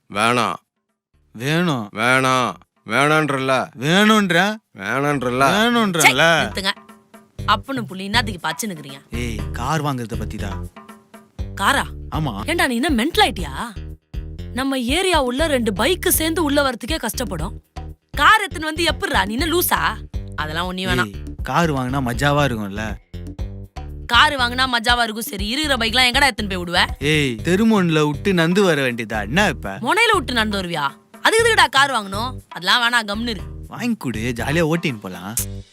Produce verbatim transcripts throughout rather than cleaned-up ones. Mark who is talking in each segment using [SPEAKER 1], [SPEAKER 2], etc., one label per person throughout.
[SPEAKER 1] வேணாம்
[SPEAKER 2] வேணும்
[SPEAKER 1] வேணாம் வேணான்றல
[SPEAKER 2] வேணும்ன்ற
[SPEAKER 1] வேணான்றல
[SPEAKER 2] வேணும்ன்றல
[SPEAKER 3] நிறுத்துங்க. அப்பனு புள்ளி என்னத்துக்கு பச்சு நிக்கிறீங்க?
[SPEAKER 2] ஏய் கார் வாங்குறத பத்தி தான்.
[SPEAKER 3] காரா?
[SPEAKER 2] ஆமா.
[SPEAKER 3] ஏண்டா நீ என்ன மென்டல் ஆயிட்டியா? நம்ம ஏரியா உள்ள ரெண்டு பைக் சேர்ந்து உள்ள வரதுக்கே கஷ்டப்படும். கார் எத்தனை வந்து எப்படிரா? நீ என்ன லூசா? அதெல்லாம் ஒண்ணி வேணாம்.
[SPEAKER 2] கார் வாங்கினா மஜாவா இருக்கும்ல.
[SPEAKER 3] கார் வாங்கினா மஜாவா இருக்கும். சரி, இருக்கிற பைக்லாம் எங்கடா எத்தனை போய் விடுவ?
[SPEAKER 2] ஏய் தெருமோன்ல விட்டு நந்து வர வேண்டியதா என்ன? இப்ப
[SPEAKER 3] முனையில விட்டு நடந்து வருவியா? அதுக்கு எதுக்குடா கார் வாங்கணும்? அதெல்லாம் வேணாம், கம்னு இரு.
[SPEAKER 2] வாங்கி கொடு, ஜாலியா ஓட்டின்னு போலாம்.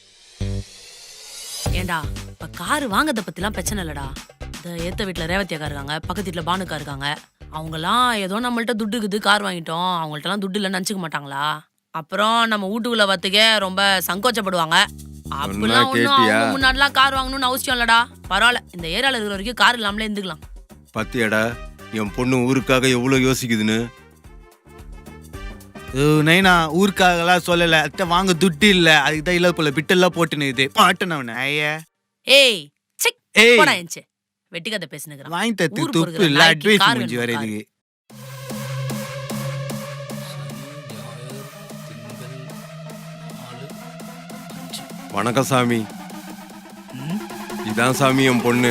[SPEAKER 3] ஏண்டா இப்ப கார் வாங்கறத பத்திலாம் பிரச்சனை இல்லடா. இந்த ஏத்த வீட்டுல ரேவதியக்கா இருக்காங்க, பக்கத்து வீட்டுல பானுக்கா இருக்காங்க. அவங்கலாம் ஏதோ நம்மள்ட்ட துட்டு இருக்குது, கார் வாங்கிட்டோம், அவங்கள்ட்ட எல்லாம் துட்டு இல்லைன்னு நினைச்சுக்க மாட்டாங்களா? அப்புறம் நம்ம வீட்டுக்குள்ள வரத்துக்கே ரொம்ப சங்கோச்சப்படுவாங்க. அப்படிலாம் ஒண்ணும் அவங்க முன்னாடிலாம் கார் வாங்கணும்னு அவசியம் இல்லடா. பரவாயில்ல, இந்த ஏரியால இருக்கிற வரைக்கும் கார் இல்லாமலே இருந்துக்கலாம்.
[SPEAKER 1] பத்தியடா என் பொண்ணு ஊருக்காக எவ்வளவு யோசிக்குதுன்னு.
[SPEAKER 2] நைனா ஊருக்காகலாம் சொல்லல, அத்தை வாங்க துட்டு இல்ல, அதுக்குதான் இல்ல போல பிட்டெல்லாம் போட்டுன்னு இது பாட்டுனவன.
[SPEAKER 3] ஏய் சிக்
[SPEAKER 2] ஏய்
[SPEAKER 3] போடா என்ச்சு வெட்டி கதை பேசுனுக்குறான்.
[SPEAKER 2] வாங்கி தத்து துப்பு இல்ல, அட்வைஸ் முடிஞ்சு வர இதுக்கு.
[SPEAKER 1] வணக்கம் சாமி. இதான் சாமி என் பொண்ணு.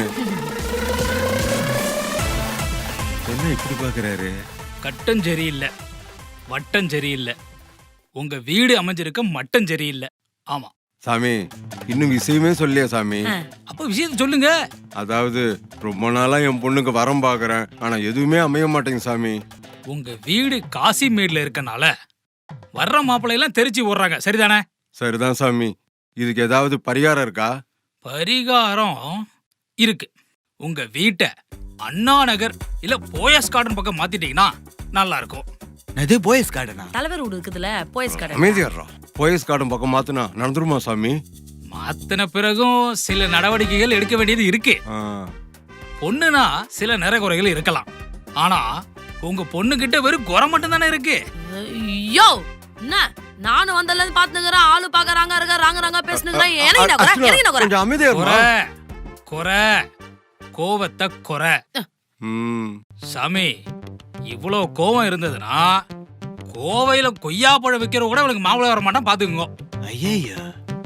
[SPEAKER 1] என்ன இப்படி பாக்குறாரு?
[SPEAKER 4] கட்டம் சரியில்லை, வட்டம் சரியில்லை, உங்க வீடு அமைஞ்சிருக்க மட்டம் சரியில்லை. ஆமா
[SPEAKER 1] சாமி, இன்னும் விஷயமே சொல்லியா சாமி?
[SPEAKER 4] அப்ப விஷயத்த சொல்லுங்க.
[SPEAKER 1] அதாவது ரொம்ப நாளா என் பொண்ணுக்கு வரம் பாக்குறேன், ஆனா எதுவுமே அமைய மாட்டேங்குது சாமி.
[SPEAKER 4] உங்க வீடு காசிமேட்ல இருக்கனால வர்ற மாப்பிள்ளை எல்லாம் தெரிச்சு ஓடுறாங்க, சரிதானே?
[SPEAKER 1] சரிதான் சாமி. இதுக்கு ஏதாவது பரிகாரம் இருக்கா?
[SPEAKER 4] பரிகாரம் இருக்கு. உங்க வீட்டை அண்ணா நகர் இல்ல போயஸ் கார்டன் பக்கம் மாத்திட்டீங்கன்னா நல்லா இருக்கும்.
[SPEAKER 2] அது போயஸ் கார்டனா?
[SPEAKER 3] தலைவர் வீடு இருக்குதுல, போயஸ் கார்டன்.
[SPEAKER 1] அமைதியாடுறோம். போயஸ் கார்டன் பக்கம் மாத்தினா நடந்துருமா சாமி?
[SPEAKER 4] மாத்தின பிறகும் சில நடவடிக்கைகள் எடுக்க வேண்டியது இருக்கு. பொண்ணுனா சில நிறைகுறைகள் இருக்கலாம், ஆனா உங்க பொண்ணு கிட்ட வெறும் குறை மட்டும் தானே இருக்கு.
[SPEAKER 3] ஐயோ என்ன நானும் வந்தல இருந்து பாத்துங்கறேன், ஆளு பாக்கறாங்க இருக்க ராங்க ராங்க பேசுனுங்க. எனக்கு என்ன குறை? எனக்கு என்ன குறை?
[SPEAKER 1] கொஞ்சம் அமைதியா
[SPEAKER 4] குறை குறை கோவத்தை குறை. சாமி, இவ்வளவு கோவம் இருந்ததுன்னா கோவையில கொய்யாப்பழம் விக்கிற கூட அவளுக்கு மாப்பிள்ளை வர மாட்டான், பாத்துக்கோங்க.
[SPEAKER 2] ஐயா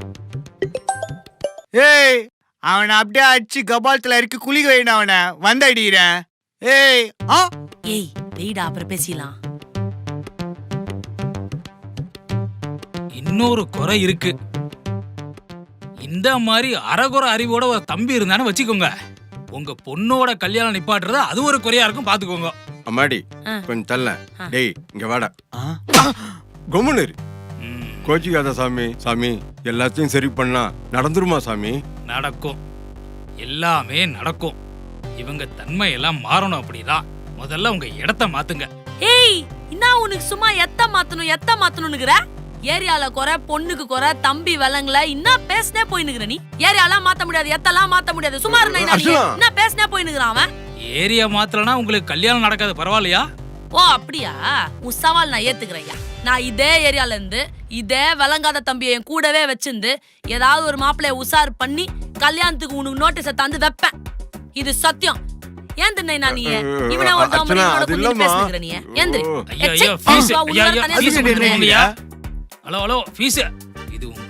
[SPEAKER 2] ஏய் அவனை அப்படியே அடிச்சு கபாலத்துல இருக்கு, குளிக்க வைன அவனை வந்து அடிக்கிறேன். ஏய் ஆ
[SPEAKER 3] ஏய் வெயிடா, அப்புறம் பேசிடலாம்.
[SPEAKER 4] இன்னொரு குறை இருக்கு. இந்த மாதிரி அறகுறை அறிவோட ஒரு தம்பி இருந்தானு வச்சுக்கோங்க, உங்க பொண்ணோட கல்யாணம் நிப்பாட்டுறது அது ஒரு குறையா இருக்கும், பாத்துக்கோங்க.
[SPEAKER 1] அம்மாடி கொஞ்சம் தள்ள. டேய் இங்க வாடா. கொம்முனு கோச்சிக்காத சாமி. சாமி எல்லாத்தையும் சரி பண்ணா நடந்துருமா சாமி?
[SPEAKER 4] நடக்கும், எல்லாமே நடக்கும். இவங்க தன்மை எல்லாம் மாறணும். அப்படிதான் முதல்ல உங்க இடத்த மாத்துங்க.
[SPEAKER 3] ஏய் என்ன உனக்கு சும்மா எத்த மாத்தணும் எத்த மாத்தணும்னுங்கற? ஏரியால குறை, பொண்ணுக்கு குறை, தம்பி விலங்குல என்ன பேசனே போயினுக்குற நீ? ஏரியால மாத்த முடியாது, எத்தெல்லாம் மாத்த முடியாது. சும்மா இருந்தா என்ன பேசனே போயினுக்குறான் அவன்.
[SPEAKER 4] ஏரியா மாத்தலனா உங்களுக்கு கல்யாணம் நடக்காது, பரவாயில்லையா?
[SPEAKER 3] ஓ அப்படியா? உன் சவால் நான் ஏத்துக்கிறேன்யா. நான் இதே ஏரியால இருந்து இதே விளங்காத தம்பியை என் கூடவே வச்சிருந்து ஏதாவது ஒரு மாப்பிள்ளைய உசார் பண்ணி கல்யாணத்துக்கு உனக்கு நோட்டீஸை தந்து வைப்பேன். இது சத்தியம். ஏன் தின்னை நான் நீ இவனை ஒரு தம்பதியோட கொஞ்சம் பேசுகிற நீ ஏந்திரி.
[SPEAKER 4] ஐயோ ஐயோ ஃபீஸ். ஐயோ ஐயோ ஃபீஸ் கொடுங்க. Hello hello fees. இது உன்